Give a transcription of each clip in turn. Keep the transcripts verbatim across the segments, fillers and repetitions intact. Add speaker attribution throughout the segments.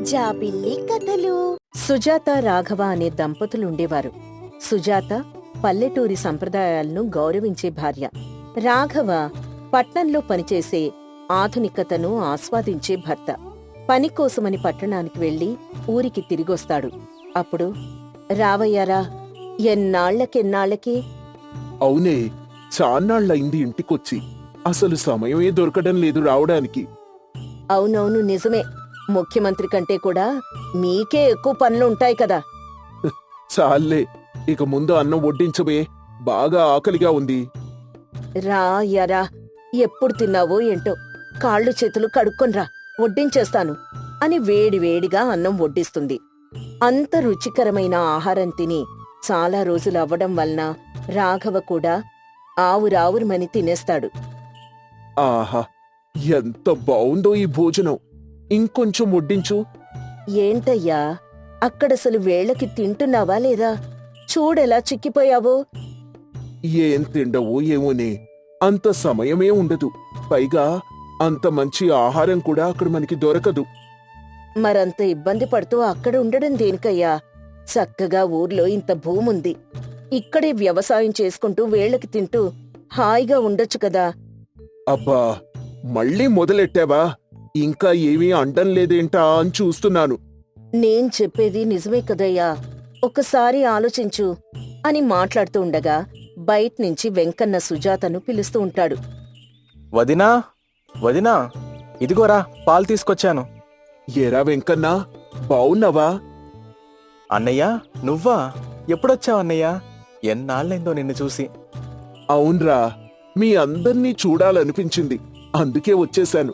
Speaker 1: జాబిల్లి కథలు.
Speaker 2: సుజాత రాఘవ అనే దంపతులుండేవారు. సుజాత పల్లెటూరి సంప్రదాయాలను గౌరవించే భార్య. రాఘవ పట్నంలో పనిచేసే ఆధునికతను ఆస్వాదించే భర్త. పనికోసమని పట్టణానికి వెళ్లి ఊరికి తిరిగొస్తాడు. అప్పుడు రావయ్యారా, ఎన్నాళ్లకెన్నాళ్లకి?
Speaker 3: అవునే, చాన్నాళ్ళయింది ఇంటికొచ్చి. అసలు సమయమే దొరకడం లేదు రావడానికి.
Speaker 2: అవునవును, నిజమే. ముఖ్యమంత్రి కంటే కూడా మీకే ఎక్కువ పనులుంటాయి కదా.
Speaker 3: చాలే, ఇక ముందు అన్నం వడ్డించబే, బాగా ఆకలిగా ఉంది.
Speaker 2: రా యారా, ఎప్పుడు తిన్నావో ఏంటో, కాళ్ళు చేతులు కడుక్కొనిరా, వడ్డించేస్తాను అని వేడి వేడిగా అన్నం వడ్డిస్తుంది. అంత రుచికరమైన ఆహారం తిని చాలా రోజులు అవ్వడం వలన రాఘవ కూడా ఆవురావురుమని తినేస్తాడు.
Speaker 3: ఆహా, ఎంత బావుందో ఈ భోజనం! ఇంకొంచెం వడ్డించు.
Speaker 2: ఏంటయ్యా, అక్కడసలు వేళకి తింటున్నావా లేదా? చూడెలా చిక్కిపోయావో.
Speaker 3: ఏం తిండవో ఏమోనే, అంత సమయమే ఉండదు. పైగా అంత మంచి ఆహారం కూడా అక్కడ మనకి దొరకదు.
Speaker 2: మరంత ఇబ్బంది పడుతూ అక్కడ ఉండడం దేనికయ్యా? చక్కగా ఊర్లో ఇంత భూముంది, ఇక్కడే వ్యవసాయం చేసుకుంటూ వేళకి తింటూ హాయిగా ఉండొచ్చు కదా.
Speaker 3: అబ్బా, మళ్ళీ మొదలెట్టావా? ఇంకా ఏమీ అండం లేదేంటా అని చూస్తున్నాను.
Speaker 2: నేను చెప్పేది నిజమే కదయ్యా, ఒక్కసారి ఆలోచించు అని మాట్లాడుతూ ఉండగా బయట్నుంచి వెంకన్న సుజాతను పిలుస్తూ ఉంటాడు.
Speaker 4: వదినా, వదినా, ఇదిగోరా పాలు తీసుకొచ్చాను.
Speaker 3: ఏరా వెంకన్నా, బావున్నావా?
Speaker 4: అన్నయ్య, నువ్వా? ఎప్పుడొచ్చావు అన్నయ్య? ఎన్నాళ్ళైందో నిన్ను చూసి.
Speaker 3: అవునరా, మీ అందర్నీ చూడాలనిపించింది, అందుకే వచ్చేశాను.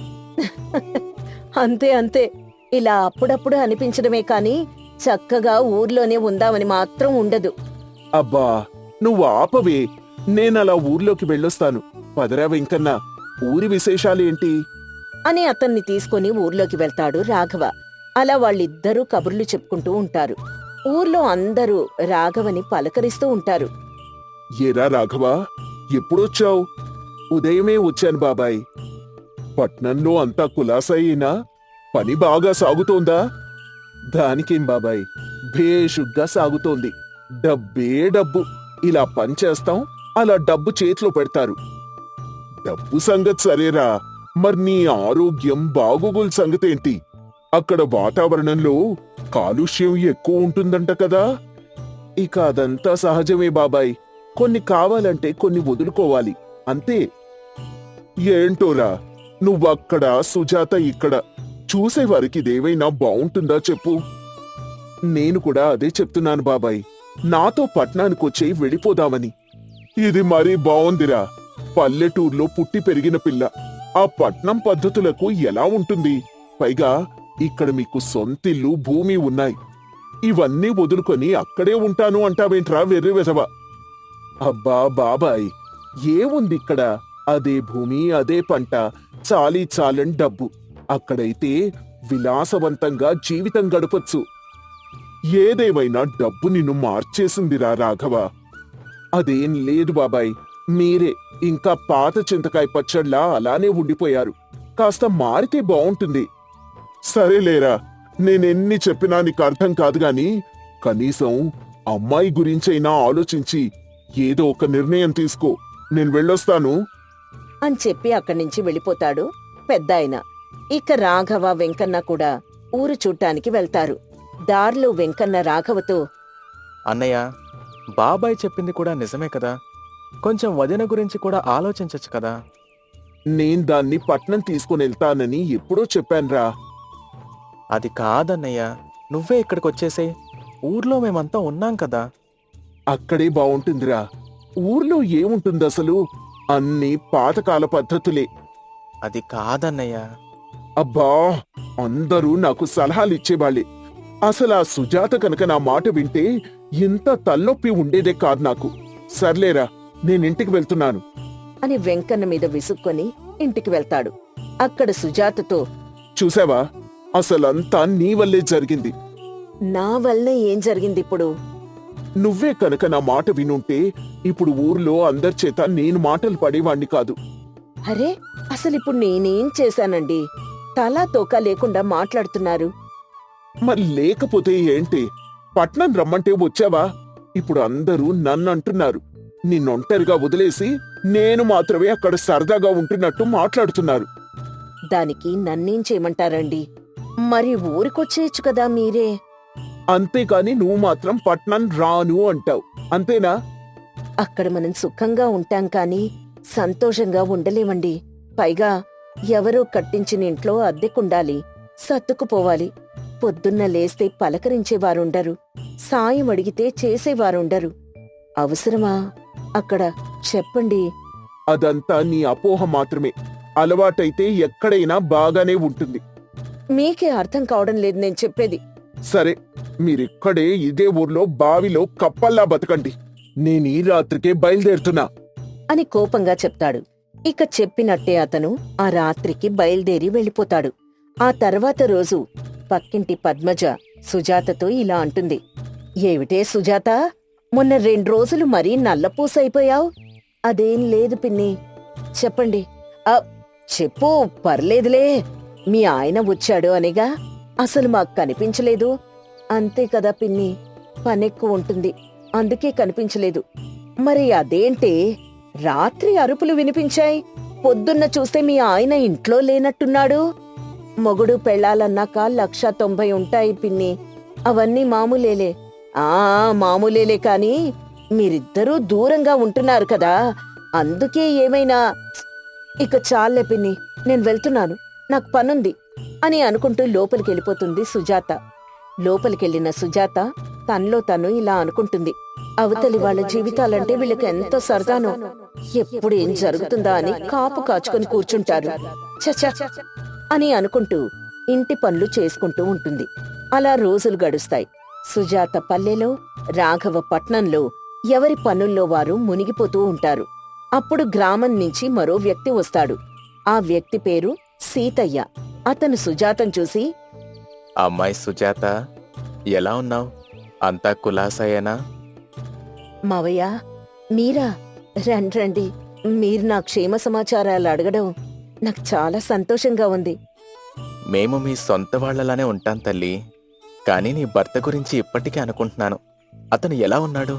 Speaker 2: అంతే అంతే, ఇలా అప్పుడప్పుడు అనిపించడమే కాని చక్కగా ఊర్లోనే ఉందామని మాత్రం ఉండదు.
Speaker 3: అబ్బా, నువ్వు ఆపవే, నేనలా ఊర్లోకి వెళ్ళొస్తాను. పదరా వెంకన్నా, ఊరి విశేషాలేంటి
Speaker 2: అని అతన్ని తీసుకుని ఊర్లోకి వెళ్తాడు రాఘవ. అలా వాళ్ళిద్దరూ కబుర్లు చెప్పుకుంటూ ఉంటారు. ఊర్లో అందరూ రాఘవని పలకరిస్తూ ఉంటారు.
Speaker 3: ఏరా రాఘవా, ఎప్పుడొచ్చావు? ఉదయమే వచ్చాను బాబాయ్. పట్నంలో అంతా కులాసైనా పని బాగా సాగుతోందా? దానికేం బాబాయ్, భేషుగ్గా సాగుతోంది. డబ్బే డబ్బు. ఇలా పని చేస్తాం, అలా డబ్బు చేతిలో పెడతారు. డబ్బు సంగతి సరేరా, మరి నీ ఆరోగ్యం బాగోగుల సంగతేంటి? అక్కడ వాతావరణంలో కాలుష్యం ఎక్కువ ఉంటుందంట కదా. ఇక అదంతా సహజమే బాబాయ్, కొన్ని కావాలంటే కొన్ని వదులుకోవాలి, అంతే. ఏంటోరా, నువ్వక్కడ సుజాత ఇక్కడ, చూసేవారికి ఇదేవైనా బావుంటుందా చెప్పు? నేను కూడా అదే చెప్తున్నాను బాబాయ్, నాతో పట్నానికొచ్చే వెళ్ళిపోదామని. ఇది మరీ బావుందిరా, పల్లెటూర్లో పుట్టి పెరిగిన పిల్ల, ఆ పట్నం పద్ధతులకు ఎలా ఉంటుంది? పైగా ఇక్కడ మీకు సొంతిల్లు, భూమి ఉన్నాయి. ఇవన్నీ వదులుకొని అక్కడే ఉంటాను అంటావేంట్రా వెర్రి వెధవ? అబ్బా బాబాయ్, ఏముందిక్కడ? అదే భూమి, అదే పంట, చాలీ చాలని డబ్బు. అక్కడైతే విలాసవంతంగా జీవితం గడపొచ్చు. ఏదేమైనా డబ్బు నిన్ను మార్చేసిందిరా రాఘవ. అదేం లేదు బాబాయ్, మీరే ఇంకా పాత చింతకాయ పచ్చడ్లా అలానే ఉండిపోయారు. కాస్త మారితే బావుంటుంది. సరేలేరా, నేనెన్ని చెప్పినా నీకు అర్థం కాదు గాని, కనీసం అమ్మాయి గురించైనా ఆలోచించి ఏదో ఒక నిర్ణయం తీసుకో. నేను వెళ్ళొస్తాను
Speaker 2: అని చెప్పి అక్కడి నుంచి వెళ్ళిపోతాడు పెద్దాయన. ఇక రాఘవ, వెంకన్న కూడా ఊరు చూడ్డానికి వెళ్తారు. దారిలో వెంకన్న రాఘవతో,
Speaker 4: అన్నయ్య, బాబాయ్ చెప్పింది కూడా నిజమే కదా, కొంచెం వదిన గురించి కూడా ఆలోచించచ్చు కదా.
Speaker 3: నేను దాన్ని పట్నం తీసుకుని వెళ్తానని ఎప్పుడో చెప్పాన్రా.
Speaker 4: అది కాదన్నయ్య, నువ్వే ఇక్కడికొచ్చేసేయ్, ఊర్లో మేమంతా ఉన్నాం కదా.
Speaker 3: అక్కడే బావుంటుందిరా. ఊర్లో ఏముంటుంది అసలు? అన్ని పాతకాల పద్ధతులే.
Speaker 4: అది కాదన్నయ్య.
Speaker 3: అబ్బా, అందరూ నాకు సలహాలిచ్చేవాళ్ళే. అసలు ఆ సుజాత కనుక నా మాట వింటే ఇంత తలనొప్పి ఉండేదే కాదు నాకు. సర్లేరా, నేనింటికి వెళ్తున్నాను
Speaker 2: అని వెంకన్న మీద విసుక్కొని ఇంటికి వెళ్తాడు. అక్కడ సుజాతతో,
Speaker 3: చూసావా, అసలంతా నీ వల్లే జరిగింది.
Speaker 2: నా వల్లనే ఏం జరిగిందిప్పుడు?
Speaker 3: నువ్వే కనుక నా మాట వినుంటే ఇప్పుడు ఊర్లో అందరిచేత నేను మాటలు పడేవాణ్ణి కాదు.
Speaker 2: అరే, అసలిప్పుడు నేనేం చేశానండి? తలా తోక లేకుండా మాట్లాడుతున్నారు.
Speaker 3: మరి లేకపోతే ఏంటి? పట్నం రమ్మంటే వచ్చావా? ఇప్పుడు అందరూ నన్నంటున్నారు. నిన్నొంటరిగా వదిలేసి నేను మాత్రమే అక్కడ సరదాగా ఉంటున్నట్టు మాట్లాడుతున్నారు.
Speaker 2: దానికి నన్నేం చేయమంటారండి? మరి ఊరికొచ్చేయచ్చు కదా మీరే.
Speaker 3: అంతేకాని నువ్వు మాత్రం పట్నం రాను అంటావు, అంతేనా?
Speaker 2: అక్కడ మనం సుఖంగా ఉంటాం కాని సంతోషంగా ఉండలేమండి. పైగా ఎవరో కట్టించిన ఇంట్లో అద్దెకుండాలి, సర్దుకుపోవాలి. పొద్దున్న లేస్తే పలకరించేవారుండరు, సాయం అడిగితే చేసేవారుండరు. అవసరమా అక్కడ? చెప్పండి.
Speaker 3: అదంతా నీ అపోహ మాత్రమే. అలవాటైతే ఎక్కడైనా బాగానే ఉంటుంది.
Speaker 2: మీకే అర్థం కావడం లేదు నేను చెప్పేది.
Speaker 3: సరే, మీరిక్కడే ఇదే ఊర్లో బావిలో కప్పల్లా బతకండి. నేను ఈ రాత్రికే బయలుదేరుతున్నా
Speaker 2: అని కోపంగా చెప్తాడు. ఇక చెప్పినట్టే అతను ఆ రాత్రికి బయలుదేరి వెళ్ళిపోతాడు. ఆ తర్వాత రోజు పక్కింటి పద్మజ సుజాతతో ఇలా అంటుంది. ఏమిటే సుజాత, మొన్న రెండు రోజులు మరీ నల్లపూసైపోయావ్? అదేం లేదు పిన్ని. చెప్పండి. ఆ చెప్పు, పర్లేదులే. మీ ఆయన వచ్చాడు అనిగా అసలు మాకు కనిపించలేదు. అంతే కదా పిన్ని, పనెక్కువ ఉంటుంది, అందుకే కనిపించలేదు. మరి అదేంటే రాత్రి అరుపులు వినిపించాయి, పొద్దున్న చూస్తే మీ ఆయన ఇంట్లో లేనట్టున్నాడు. మొగుడు పెళ్ళాలన్నాక లక్ష తొంభై ఉంటాయి పిన్ని, అవన్నీ మామూలేలే. ఆ మామూలేలే కాని మీరిద్దరూ దూరంగా ఉంటున్నారు కదా, అందుకే ఏమైనా. ఇక చాలే పిన్ని, నేను వెళ్తున్నాను, నాకు పనుంది అని అనుకుంటూ లోపలికెళ్ళిపోతుంది సుజాత. లోపలికెళ్ళిన సుజాత తనలో తను ఇలా అనుకుంటుంది. అవతలి వాళ్ళ జీవితాలంటే వీళ్ళకి ఎంతో సరదానో, ఎప్పుడు ఏం జరుగుతుందా అని కాపు కాచుకొని కూర్చుంటారు చచ అని అనుకుంటూ ఇంటి పనులు చేసుకుంటూ ఉంటుంది. అలా రోజులు గడుస్తాయి. సుజాత పల్లెలో, రాఘవ పట్నంలో ఎవరి పనుల్లో వారు మునిగిపోతూ ఉంటారు. అప్పుడు గ్రామం నుంచి మరో వ్యక్తి వస్తాడు. ఆ వ్యక్తి పేరు సీతయ్య. అతను సుజాతను చూసి,
Speaker 4: అమ్మాయి సుజాత, ఎలా ఉన్నావు? అంతా కులాసాయేనా?
Speaker 2: మావయ్య మీరా, రండ్రండి. మీరు నా క్షేమ సమాచారాలు అడగడం నాకు చాలా సంతోషంగా ఉంది.
Speaker 4: మేము మీ సొంత వాళ్లలానే ఉంటాం తల్లి, కానీ నీ భర్త గురించి ఇప్పటికీ అనుకుంటున్నాను. అతను ఎలా ఉన్నాడు?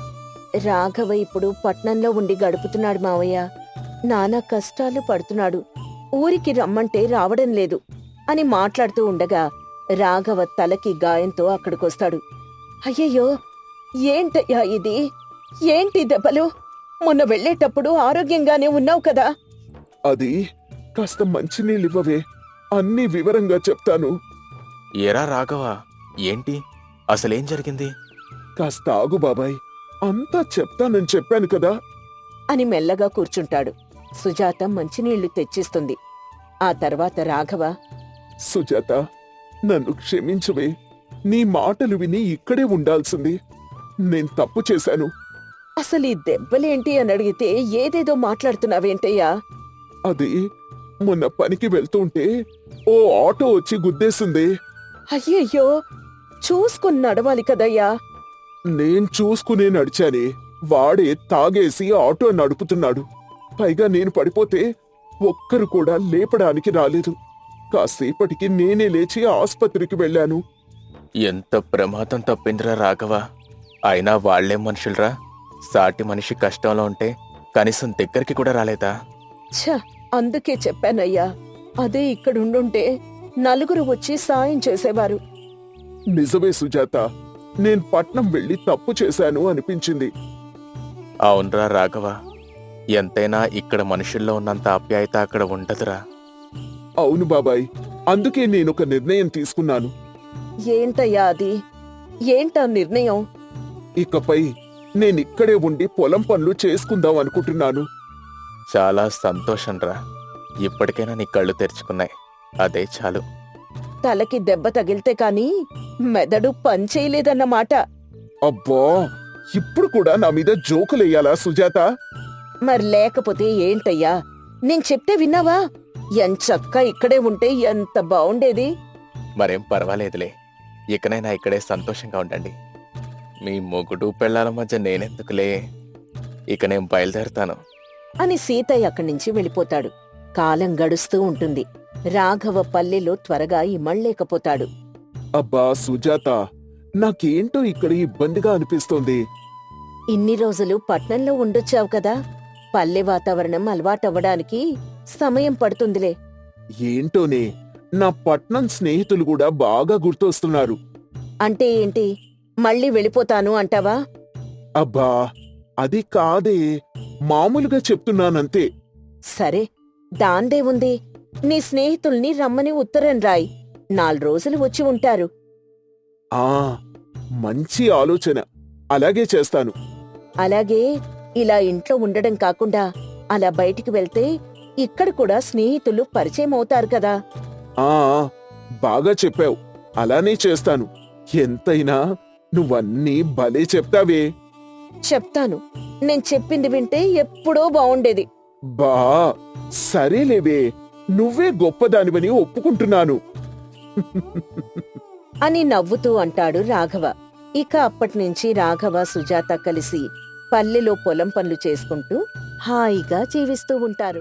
Speaker 2: రాఘవ ఇప్పుడు పట్నంలో ఉండి గడుపుతున్నాడు మావయ్య. నానా కష్టాలు పడుతున్నాడు. ఊరికి రమ్మంటే రావడం లేదు అని మాట్లాడుతూ ఉండగా రాఘవ తలకి గాయంతో అక్కడికొస్తాడు. అయ్యయ్యో, ఏంటయ్యా ఇది? ఏంటి దెబ్బలు? మొన్న వెళ్ళేటప్పుడు ఆరోగ్యంగానే ఉన్నావు కదా.
Speaker 3: అది కాస్త మంచినీళ్ళివ్వవే, అన్నీ వివరంగా చెప్తాను.
Speaker 4: ఏరా రాఘవ, ఏంటి అసలేం జరిగింది?
Speaker 3: కాస్త ఆగు బాబాయ్, అంతా చెప్తానని చెప్పాను కదా
Speaker 2: అని మెల్లగా కూర్చుంటాడు. సుజాత మంచినీళ్లు తెచ్చిస్తుంది. ఆ తర్వాత రాఘవ,
Speaker 3: సుజాత, నన్ను క్షమించవే. నీ మాటలు విని ఇక్కడే ఉండాల్సింది. నేను తప్పు చేశాను.
Speaker 2: అసలు ఈ దెబ్బలేంటి అని అడిగితే ఏదేదో మాట్లాడుతున్నావేంటయ్యా?
Speaker 3: అది మొన్న పనికి వెళ్తుంటే ఓ ఆటో వచ్చి గుద్దేసింది.
Speaker 2: అయ్యయ్యో, చూసుకుని నడవాలి కదయ్యా.
Speaker 3: నేను చూసుకునే నడిచానే, వాడే తాగేసి ఆటో నడుపుతున్నాడు. పైగా నేను పడిపోతే ఒక్కరు కూడా లేపడానికి రాలేదు. కాసేపటికి నేనే లేచి ఆస్పత్రికి వెళ్ళాను.
Speaker 4: ఎంత ప్రమాదం తప్పిందిరా రాఘవ. అయినా వాళ్లేం మనుషులరా, సాటి మనిషి కష్టంలో ఉంటే కనీసం దగ్గరికి కూడా రాలేదా?
Speaker 2: ఛ, అందుకే చెప్పానయ్యా, అదే ఇక్కడుండుంటే నలుగురు వచ్చి సాయం చేసేవారు.
Speaker 3: నిజమే సుజాత, నేను పట్నం వెళ్ళి తప్పు చేశాను అనిపించింది.
Speaker 4: అవునరా రాఘవ, ఎంతైనా ఇక్కడ మనుషుల్లో ఉన్నంత ఆప్యాయత అక్కడ ఉండదురా.
Speaker 3: అవును బాబాయ్, అందుకే నేనొక నిర్ణయం తీసుకున్నాను.
Speaker 2: ఏంటయ్యా అది? ఏంటా నిర్ణయం?
Speaker 3: ఇకపై నేనిక్కడే ఉండి పొలం పనులు చేసుకుందాం అనుకుంటున్నాను.
Speaker 4: చాలా సంతోషంరా, ఇప్పటికైనా నీ కళ్ళు తెరుచుకున్నాయి, అదే చాలు.
Speaker 2: తలకి దెబ్బ తగిలితే కాని మెదడు పనిచేయలేదన్నమాట.
Speaker 3: అబ్బా, ఇప్పుడు కూడా నా మీద జోకులేయాలా సుజాత?
Speaker 2: మరి లేకపోతే ఏంటయ్యా? నేను చెప్తే విన్నావా? ఎంచక్కా ఇక్కడే ఉంటే ఎంత బావుండేది.
Speaker 4: మరేం పర్వాలేదులే, ఇకనైనా ఇక్కడే సంతోషంగా ఉండండి. మీ మొగుడు పెళ్ళాల మధ్య నేనెందుకులే, ఇక నేను బయలుదేరుతాను
Speaker 2: అని సీతయ్య అక్కడి నుంచి వెళ్ళిపోతాడు. కాలం గడుస్తూ ఉంటుంది. రాఘవ పల్లెలో త్వరగా ఇమళ్లేకపోతాడు.
Speaker 3: అబ్బా సుజాత, నాకేంటో ఇక్కడ ఇబ్బందిగా అనిపిస్తోంది.
Speaker 2: ఇన్ని రోజులు పట్నంలో ఉండొచ్చావు కదా, పల్లె వాతావరణం అలవాటవ్వడానికి సమయం పడుతుందిలే.
Speaker 3: ఏంటోనే, నా పట్నం స్నేహితులు కూడా బాగా గుర్తొస్తున్నారు.
Speaker 2: అంటే ఏంటి, మళ్ళీ వెళ్ళిపోతాను అంటావా?
Speaker 3: అబ్బా అది కాదే, మామూలుగా చెప్తున్నానంతే.
Speaker 2: సరే, దాందే ఉంది. నీ స్నేహితుల్ని రమ్మని ఉత్తరం రాయ్, నాలుగు రోజులు వచ్చి ఉంటారు.
Speaker 3: ఆ మంచి ఆలోచన, అలాగే చేస్తాను.
Speaker 2: అలాగే ఇలా ఇంట్లో ఉండడం కాకుండా అలా బయటికి వెళ్తే ఇక్కడ కూడా స్నేహితులు పరిచయం అవుతారు కదా.
Speaker 3: ఆ బాగా చెప్పావు, అలానే చేస్తాను. ఎంతైనా నువ్వన్నీ భలే చెప్తావే.
Speaker 2: చెప్తాను, నేను చెప్పింది వింటే ఎప్పుడో బావుండేది.
Speaker 3: బా సరేలేవే, నువ్వే గొప్పదానివని ఒప్పుకుంటున్నాను.
Speaker 2: అని నవ్వుతూ అంటాడు రాఘవ. ఇక అప్పటినుంచి రాఘవ, సుజాత కలిసి పల్లెలో పొలం పనులు చేసుకుంటూ హాయిగా జీవిస్తూ ఉంటారు.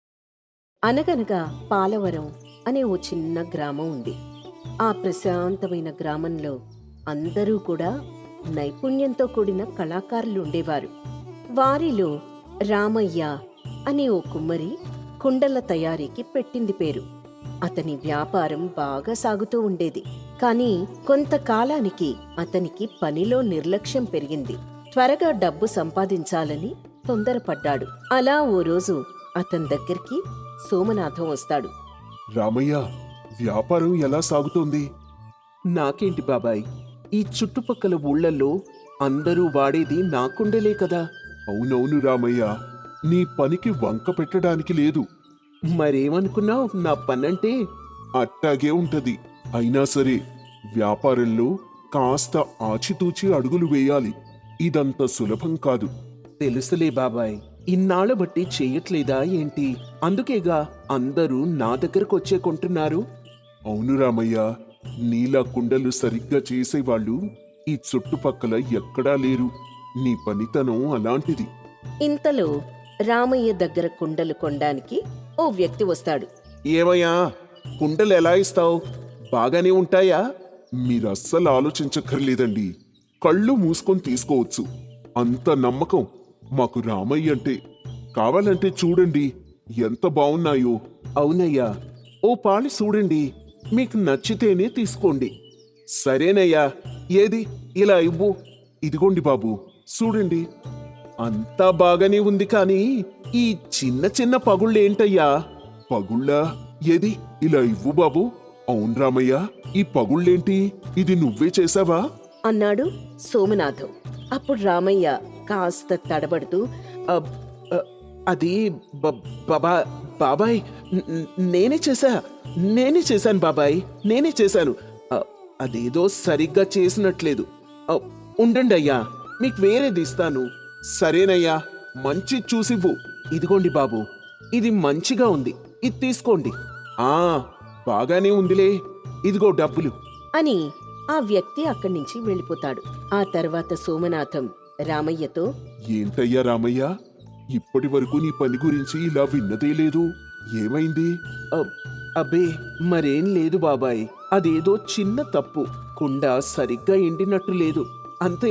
Speaker 2: అనగనగా పాలవరం అనే ఓ చిన్న గ్రామం ఉంది. ఆ ప్రశాంతమైన గ్రామంలో అందరూ కూడా నైపుణ్యంతో కూడిన కళాకారులు ఉండేవారు. వారిలో రామయ్య అనే ఓ కుమ్మరి కుండల తయారీకి పెట్టింది పేరు. అతని వ్యాపారం బాగా సాగుతూ ఉండేది. కాని కొంతకాలానికి అతనికి పనిలో నిర్లక్ష్యం పెరిగింది. త్వరగా డబ్బు సంపాదించాలని తొందరపడ్డాడు. అలా ఓ రోజు అతని దగ్గరికి సోమనాథం వస్తాడు.
Speaker 3: రామయ్య, వ్యాపారం ఎలా సాగుతోంది?
Speaker 1: నాకేంటి బాబాయ్, ఈ చుట్టుపక్కల ఊళ్ళల్లో అందరూ వాడేది నా కుండలే కదా.
Speaker 3: అవునవును రామయ్య, నీ పనికి వంక పెట్టడానికి లేదు.
Speaker 1: మరేమనుకున్నావు నా పనంటే?
Speaker 3: అట్టాగే ఉంటది. అయినా సరే, వ్యాపారంలో కాస్త ఆచితూచి అడుగులు వేయాలి. ఇదంత సులభం కాదు.
Speaker 1: తెలుసులే బాబాయ్, ఇన్నాళ్ళ బట్టి చెయ్యట్లేదా ఏంటి? అందుకేగా అందరూ నా దగ్గరకొచ్చే కొంటున్నారు.
Speaker 3: అవును రామయ్య, నీలా కుండలు సరిగ్గా చేసేవాళ్ళు ఈ చుట్టుపక్కల ఎక్కడా లేరు. నీ పనితనం అలాంటిది.
Speaker 2: ఇంతలో రామయ్య దగ్గర కుండలు కొనడానికి ఓ వ్యక్తి వస్తాడు.
Speaker 1: ఏమయ్యా, కుండలు ఎలా ఇస్తావు? బాగానే ఉంటాయా?
Speaker 3: మీరస్సలు ఆలోచించక్కర్లేదండి. కళ్ళు మూసుకొని తీసుకోవచ్చు. అంత నమ్మకం మాకు రామయ్య అంటే. కావాలంటే చూడండి ఎంత బావున్నాయో.
Speaker 1: అవునయ్యా, ఓ పాలు చూడండి, మీకు నచ్చితేనే తీసుకోండి. సరేనయ్యా, ఏది ఇలా ఇవ్వు.
Speaker 3: ఇదిగోండి బాబు, చూడండి.
Speaker 1: అంతా బాగానే ఉంది కానీ ఈ చిన్న చిన్న పగుళ్ళేంటయ్యా?
Speaker 3: పగుళ్ళా? ఏది ఇలా ఇవ్వు బాబు. అవును రామయ్య, ఈ పగుళ్ళేంటి? ఇది నువ్వే చేసావా?
Speaker 2: అన్నాడు సోమనాథం. అప్పుడు రామయ్య కాస్త తడబడుతూ,
Speaker 1: అబ్, అ, అది బ- బాబా బాబాయ్, న- న- నేనే చేశా నేనే చేశాను బాబాయ్, నేనే చేశాను. అ, అదేదో సరిగ్గా చేసినట్లేదు. అ, ఉండండి అయ్యా, మీకు వేరేది ఇస్తాను. సరేనయ్యా, మంచి చూసివ్వు. ఇదిగోండి బాబు, ఇది మంచిగా ఉంది, ఇది తీసుకోండి. ఆ బాగానే ఉందిలే, ఇదిగో డబ్బులు.
Speaker 2: అని ఆ వ్యక్తి అక్కడి నుంచి వెళ్ళిపోతాడు. ఆ తర్వాత సోమనాథం రామయ్యతో,
Speaker 3: ఏంటయ్యా రామయ్య, ఇప్పటి వరకు నీ పని గురించి ఇలా విన్నదే లేదు. ఏమైంది?
Speaker 1: అబ్, అబ్బే మరేం లేదు బాబాయ్, అదేదో చిన్న తప్పు. కుండ సరిగ్గా ఎండినట్టు లేదు, అంతే.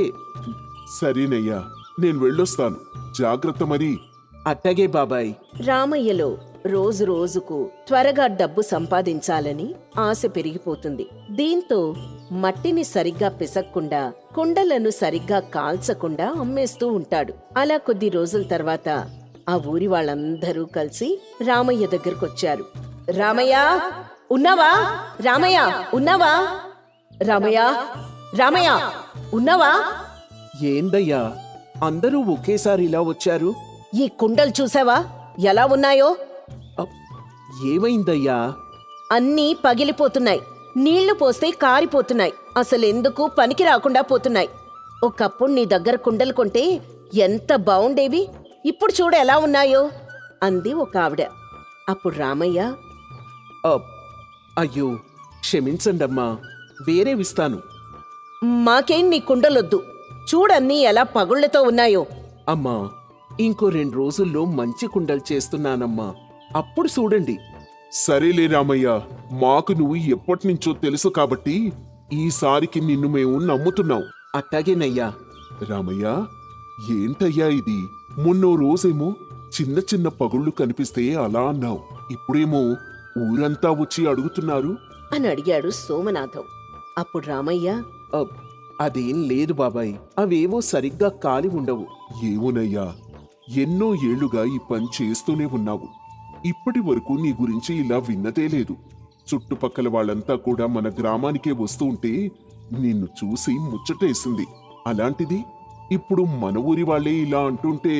Speaker 3: సరేనయ్యా, నేను వెళ్ళొస్తాను. జాగ్రత్త మరి.
Speaker 1: అట్టగే బాబాయ్.
Speaker 2: రామయ్యలో రోజు రోజుకు త్వరగా డబ్బు సంపాదించాలని ఆశ పెరిగిపోతుంది. దీంతో మట్టిని సరిగ్గా పిసక్కుండా, కుండలను సరిగ్గా కాల్చకుండా అమ్మేస్తూ ఉంటాడు. అలా కొద్ది రోజుల తర్వాత ఆ ఊరి వాళ్ళందరూ కలిసి రామయ్య దగ్గరకొచ్చారు. రామయ్య ఉన్నావా? రామయ్య ఉన్నావా? రామయ్య రామయ్య ఉన్నావా?
Speaker 1: ఏందయ్యా, అందరూ ఒకేసారి ఇలా వచ్చారు?
Speaker 2: ఈ కుండలు చూసావా ఎలా ఉన్నాయో?
Speaker 1: అబ్, ఏమైందయ్యా?
Speaker 2: అన్నీ పగిలిపోతున్నాయి, నీళ్లు పోస్తే కారిపోతున్నాయి, అసలెందుకు పనికి రాకుండా పోతున్నాయి. ఒకప్పుడు నీ దగ్గర కుండలు కొంటే ఎంత బావుండేవి, ఇప్పుడు చూడు ఎలా ఉన్నాయో అంది ఒక ఆవిడ. అప్పుడు రామయ్య,
Speaker 1: అబ్, అయ్యో క్షమించండమ్మా, వేరేవిస్తాను.
Speaker 2: మాకేం నీ కుండలొద్దు, చూడన్నీ ఎలా పగుళ్లతో ఉన్నాయో.
Speaker 1: అమ్మా, ఇంకో రెండు రోజుల్లో మంచి కుండలు చేస్తున్నానమ్మా, అప్పుడు చూడండి.
Speaker 3: సరేలే రామయ్య, మాకు నువ్వు ఎప్పటినుంచో తెలుసు కాబట్టి ఈసారికి నిన్ను మేము నమ్ముతున్నాం.
Speaker 1: అట్టాగేనయ్యా.
Speaker 3: రామయ్య, ఏంటయ్యా ఇది? మొన్నో రోజేమో చిన్న చిన్న పగుళ్ళు కనిపిస్తే అలా అన్నావు, ఇప్పుడేమో ఊరంతా వచ్చి అడుగుతున్నారు.
Speaker 2: అని అడిగాడు సోమనాథం. అప్పుడు రామయ్య,
Speaker 1: అ, అదేం లేదు బాబాయ్, అవేవో సరిగ్గా కాలి ఉండవు.
Speaker 3: ఏమోనయ్యా, ఎన్నో ఏళ్లుగా ఈ పని చేస్తూనే ఉన్నావు. ఇప్పటి వరకు నీ గురించి ఇలా విన్నదే లేదు. చుట్టుపక్కల వాళ్ళంతా కూడా మన గ్రామానికే వస్తూ ఉంటే నిన్ను చూసి ముచ్చటేసింది. అలాంటిది ఇప్పుడు మన ఊరి వాళ్ళే ఇలా అంటుంటే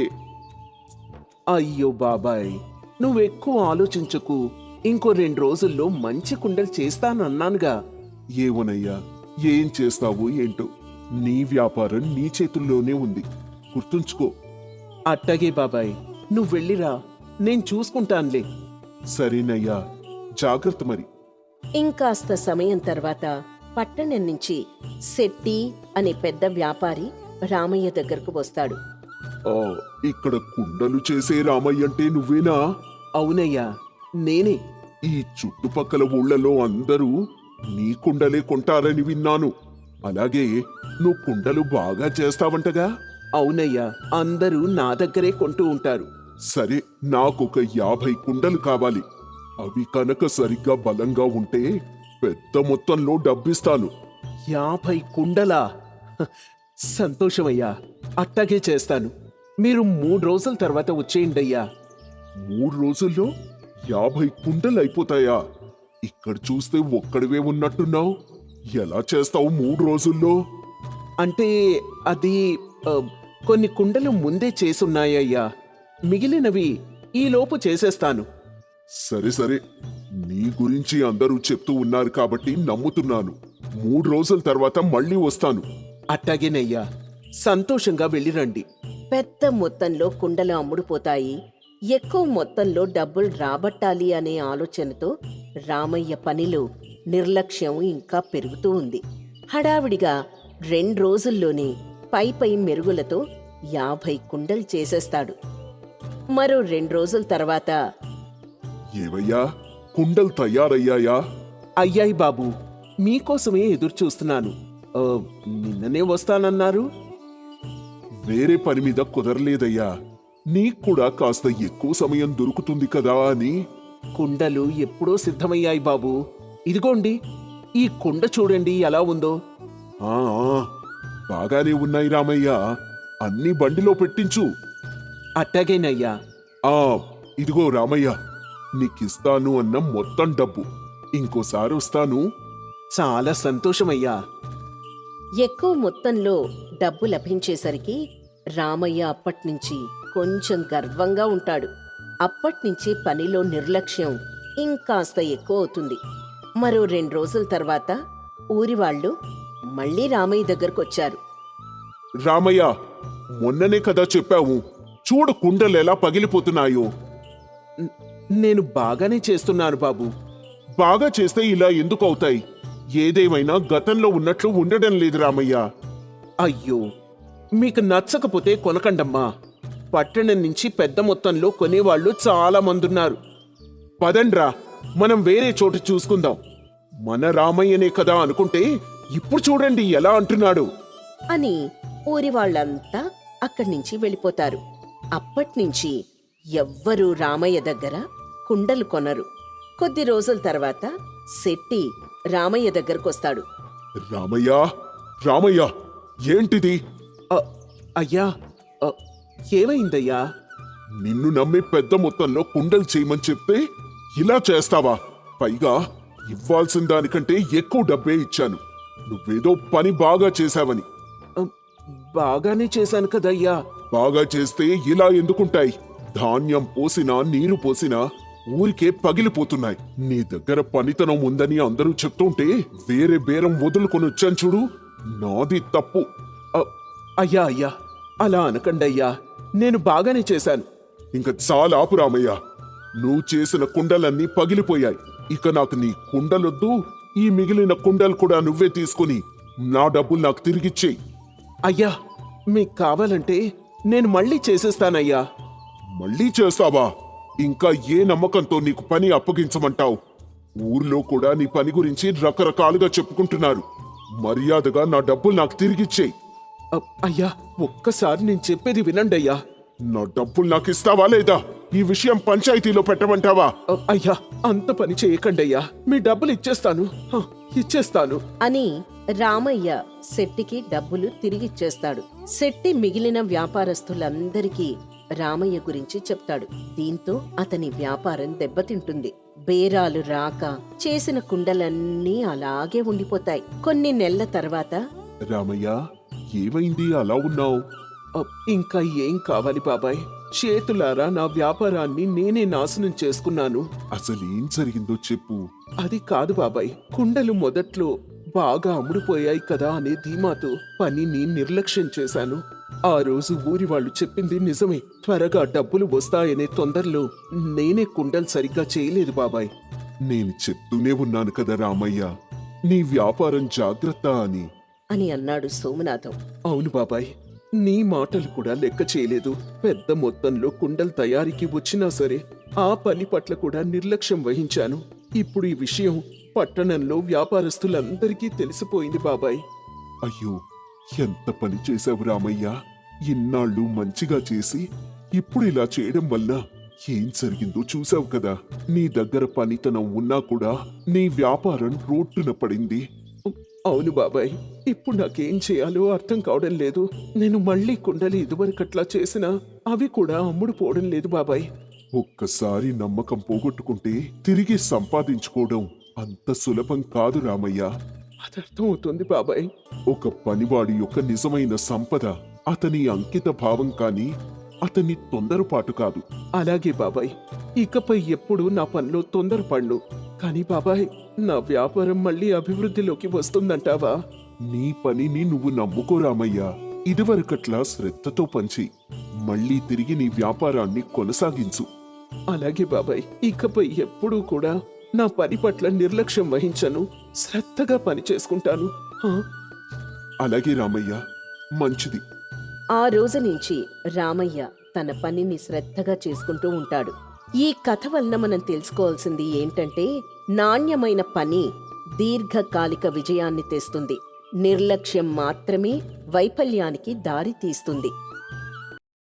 Speaker 1: అయ్యో బాబాయ్, నువ్వెక్కువ ఆలోచించకు. ఇంకో రెండు రోజుల్లో మంచి కుండలు చేస్తానన్నానుగా.
Speaker 3: ఏమోనయ్యా, ఏం చేస్తావు ఏంటో. నీ వ్యాపారం నీ చేతుల్లోనే ఉంది, గుర్తుంచుకో.
Speaker 1: అట్టాగే బాబాయ్, నువ్వు వెళ్ళిరా, నేను చూసుకుంటానులే.
Speaker 3: సరేనయ్యా, జాగ్రత్త మరి.
Speaker 2: ఇంకాస్త సమయం తర్వాత పట్టణం నుంచి శెట్టి అనే పెద్ద వ్యాపారి రామయ్య దగ్గరకు వస్తాడు.
Speaker 3: ఆ, ఇక్కడ కుండలు చేసే రామయ్య అంటే నువ్వేనా?
Speaker 1: అవునయ్యా, నేనే.
Speaker 3: ఈ చుట్టుపక్కల ఊళ్ళలో అందరూ నీ కుండలే కొంటారని విన్నాను. అలాగే నువ్వు కుండలు బాగా చేస్తావంటగా?
Speaker 1: అవునయ్యా, అందరూ నా దగ్గరే కొంటూ ఉంటారు.
Speaker 3: సరే, నాకొక యాభై కుండలు కావాలి. అవి కనుక సరిగ్గా బలంగా ఉంటే పెద్ద మొత్తంలో డబ్బిస్తాను.
Speaker 1: యాభై కుండలా? హ, సంతోషమయ్యా, అట్టాగే చేస్తాను. మీరు మూడు రోజుల తర్వాత వచ్చేయండి అయ్యా.
Speaker 3: మూడు రోజుల్లో యాభై కుండలు అయిపోతాయా? ఇక్కడ చూస్తే ఒక్కడివే ఉన్నట్టున్నావు. ఎలా చేస్తావు మూడు రోజుల్లో?
Speaker 1: అంటే అది ఆ, కొన్ని కుండలు ముందే చేసున్నాయ్యా, మిగిలినవి ఈలోపు చేసేస్తాను.
Speaker 3: సరే సరే, నీ గురించి అందరూ చెప్తూ ఉన్నారు కాబట్టి నమ్ముతున్నాను. మూడు రోజుల తర్వాత మళ్ళీ వస్తాను.
Speaker 1: అట్టాగేనయ్యా, సంతోషంగా వెళ్ళిరండి.
Speaker 2: పెద్ద మొత్తంలో కుండలు అమ్ముడుపోతాయి. ఎక్కువ మొత్తంలో డబ్బులు రాబట్టాలి అనే ఆలోచనతో రామయ్య పనిలో నిర్లక్ష్యం ఇంకా పెరుగుతూ ఉంది. హడావిడిగా రెండు రోజుల్లోనే పై పై మెరుగులతో యాభై కుండలు చేసేస్తాడు. మరో రెండు రోజుల తర్వాత,
Speaker 3: ఏవయ్యా, కుండలు తయారయ్యాయా?
Speaker 1: అయ్యాయి బాబు, మీకోసమే ఎదురు చూస్తున్నాను. ఆ, నిన్ననే వస్తానన్నారు.
Speaker 3: వేరే పని మీద కుదరలేదయ్యా. నీకు కూడా కాస్త ఎక్కువ సమయం దొరుకుతుంది కదా అని.
Speaker 1: కుండలు ఎప్పుడో సిద్ధమయ్యాయి బాబు. ఇదిగోండి, ఈ కుండ చూడండి ఎలా ఉందో.
Speaker 3: ఆ ఆ, బాగానే ఉన్నాయి రామయ్య. అన్ని బండిలో పెట్టించు.
Speaker 1: అట్టాగేనయ్యా.
Speaker 3: ఆ, ఇదిగో రామయ్య, నీకిస్తాను అన్న మొత్తం డబ్బు. ఇంకోసారి వస్తాను.
Speaker 1: చాలా సంతోషమయ్యా.
Speaker 2: ఎక్కువ మొత్తంలో డబ్బు లభించేసరికి రామయ్య అప్పట్నుంచి కొంచెం గర్వంగా ఉంటాడు. అప్పట్నుంచి పనిలో నిర్లక్ష్యం ఇంకాస్త ఎక్కువ అవుతుంది. మరో రెండు రోజుల తర్వాత ఊరివాళ్లు మళ్ళీ రామయ్య దగ్గరకొచ్చారు.
Speaker 3: రామయ్య, మొన్ననే కదా చెప్పావు, చూడు కుండలు ఎలా పగిలిపోతున్నాయో.
Speaker 1: న- నేను బాగానే చేస్తున్నాను బాబు.
Speaker 3: బాగా చేస్తే ఇలా ఎందుకు అవుతాయి? ఏదేమైనా గతంలో ఉన్నట్లు ఉండడం లేదు రామయ్య.
Speaker 1: అయ్యో, మీకు నచ్చకపోతే కొనకండమ్మా. పట్టణం నుంచి పెద్ద మొత్తంలో కొనేవాళ్లు చాలా మందున్నారు.
Speaker 3: పదండ్రా, మనం వేరే చోటు చూసుకుందాం. మన రామయ్యనే కదా అనుకుంటే ఇప్పుడు చూడండి ఎలా అంటున్నాడు.
Speaker 2: అని ఊరి వాళ్ళంతా అక్కడి నుంచి వెళ్ళిపోతారు. అప్పట్నుంచి ఎవ్వరూ రామయ్య దగ్గర కుండలు కొనరు. కొద్ది రోజుల తర్వాత శెట్టి రామయ్య దగ్గరకొస్తాడు.
Speaker 3: రామయ్య, రామయ్య, ఏంటిది?
Speaker 1: అ, అయ్యా, అ, ఏమైందయ్యా?
Speaker 3: నిన్ను నమ్మి పెద్ద మొత్తంలో కుండలు చేయమని చెప్తే ఇలా చేస్తావా? పైగా ఇవ్వాల్సిన దానికంటే ఎక్కువ డబ్బే ఇచ్చాను. నువ్వేదో పని బాగా చేశావని.
Speaker 1: అ, బాగానే చేశాను కదయ్యా.
Speaker 3: బాగా చేస్తే ఇలా ఎందుకుంటాయి? ధాన్యం పోసినా నీరు పోసినా ఊరికే పగిలిపోతున్నాయి. నీ దగ్గర పనితనం ఉందని అందరూ చెప్తుంటే వేరే బేరం వదులుకొని వచ్చాను చూడు. నాది తప్పు.
Speaker 1: అ, అయ్యా అయ్యా, అలా అనకండయ్యా, నేను బాగానే చేశాను.
Speaker 3: ఇంక చాలా ఆపు రామయ్య. నువ్వు చేసిన కుండలన్నీ పగిలిపోయాయి. ఇక నాకు నీ కుండలొద్దు. ఈ మిగిలిన కుండలు కూడా నువ్వే తీసుకుని నా డబ్బులు నాకు తిరిగిచ్చేయి.
Speaker 1: అయ్యా, మీకు కావాలంటే నేను మళ్ళీ చేసేస్తానయ్యా.
Speaker 3: మళ్ళీ చేస్తావా? ఇంకా ఏ నమ్మకంతో నీకు పని అప్పగించమంటావు? ఊర్లో కూడా నీ పని గురించి రకరకాలుగా చెప్పుకుంటున్నారు. మర్యాదగా నా డబ్బులు నాకు తిరిగిచ్చేయి.
Speaker 1: అ, అయ్యా ఒక్కసారి నేను చెప్పేది వినండి అయ్యా.
Speaker 3: నా డబ్బులు నాకు ఇస్తావా లేదా? ఈ విషయం పంచాయతీలో పెట్టమంటావా?
Speaker 1: అ, అయ్యా అంత పని చేయకండి అయ్యా, మీ డబ్బులు ఇచ్చేస్తాను, హ, ఇచ్చేస్తాను.
Speaker 2: అని రామయ్య శెట్టికి డబ్బులు తిరిగిచ్చేస్తాడు. శెట్టి మిగిలిన వ్యాపారస్తులందరికీ రామయ్య గురించి చెప్తాడు. దీంతో అతని వ్యాపారం దెబ్బతింటుంది. బేరాలు రాక చేసిన కుండలన్నీ అలాగే ఉండిపోతాయి. కొన్ని నెలల తర్వాత
Speaker 3: రామయ్య, ఏమైంది అలా ఉన్నావు?
Speaker 1: అ, ఇంకా ఏం కావాలి బాబాయ్? చేతులారా నా వ్యాపారాన్ని నేనే నాశనం చేసుకున్నాను.
Speaker 3: అసలేం జరిగిందో చెప్పు.
Speaker 1: అది కాదు బాబాయ్, కుండలు మొదట్లో బాగా అమ్ముడుపోయాయి కదా అనే ధీమాతో పనిని నిర్లక్ష్యం చేశాను. ఆ రోజు ఊరి వాళ్ళు చెప్పింది నిజమే. త్వరగా డబ్బులు వస్తాయనే తొందరలో నేనే కుండలు సరిగ్గా చేయలేదు బాబాయ్.
Speaker 3: నేను చెప్తూనే ఉన్నాను కదా రామయ్య, నీ వ్యాపారం జాగ్రత్త అని.
Speaker 2: అని అన్నాడు సోమనాథం.
Speaker 1: అవును బాబాయ్, నీ మాటలు కూడా లెక్క చేయలేదు. పెద్ద మొత్తంలో కుండల తయారీకి వచ్చినా సరే ఆ పని పట్ల కూడా నిర్లక్ష్యం వహించాను. ఇప్పుడు ఈ విషయం పట్టణంలో వ్యాపారస్తులందరికీ తెలిసిపోయింది బాబాయ్.
Speaker 3: అయ్యో, ఎంత పని చేశావు రామయ్య. ఇన్నాళ్ళు మంచిగా చేసి ఇప్పుడు ఇలా చేయడం వల్ల ఏం జరిగిందో చూసావు కదా. నీ దగ్గర పనితనం ఉన్నా కూడా నీ వ్యాపారం రోడ్డున పడింది.
Speaker 1: అవును బాబాయ్, ఇప్పుడు నాకేం చేయాలో అర్థం కావడం లేదు. నేను మళ్ళీ కుండలు ఇదివరకట్లా చేసినా అవి కూడా అమ్ముడు పోవడం లేదు బాబాయ్.
Speaker 3: ఒక్కసారి నమ్మకం పోగొట్టుకుంటే తిరిగి సంపాదించుకోవడం అంత సులభం కాదు రామయ్య.
Speaker 1: అది అర్థం అవుతుంది బాబాయ్.
Speaker 3: ఒక పనివాడి యొక్క నిజమైన సంపద అతని అంకిత భావం కానీ అతని తొందరపాటు కాదు.
Speaker 1: అలాగే బాబాయ్, ఇకపై ఎప్పుడు నా పనిలో తొందరపడ్ను. కానీ బాబాయ్, నా వ్యాపారం మళ్ళీ అభివృద్ధిలోకి వస్తుందంటావా?
Speaker 3: నీ పనిని నువ్వు నమ్ముకో రామయ్య. ఇదివరకట్లా శ్రద్ధతో పంచి మళ్ళీ తిరిగి నీ వ్యాపారాన్ని కొనసాగించు.
Speaker 1: అలాగే బాబాయ్, ఇకపై ఎప్పుడూ కూడా నా పని పట్ల నిర్లక్ష్యం వహించను. శ్రద్ధగా పని చేసుకుంటాను. హా?
Speaker 3: అలాగే రామయ్య, మంచిది.
Speaker 2: ఆ రోజు నుంచి రామయ్య తన పనిని శ్రద్ధగా చేసుకుంటూ ఉంటాడు. ఈ కథ వలన మనం తెలుసుకోవాల్సింది ఏంటంటే, నాణ్యమైన పని దీర్ఘకాలిక విజయాన్ని తెస్తుంది. నిర్లక్ష్యం మాత్రమే వైఫల్యానికి దారి తీస్తుంది.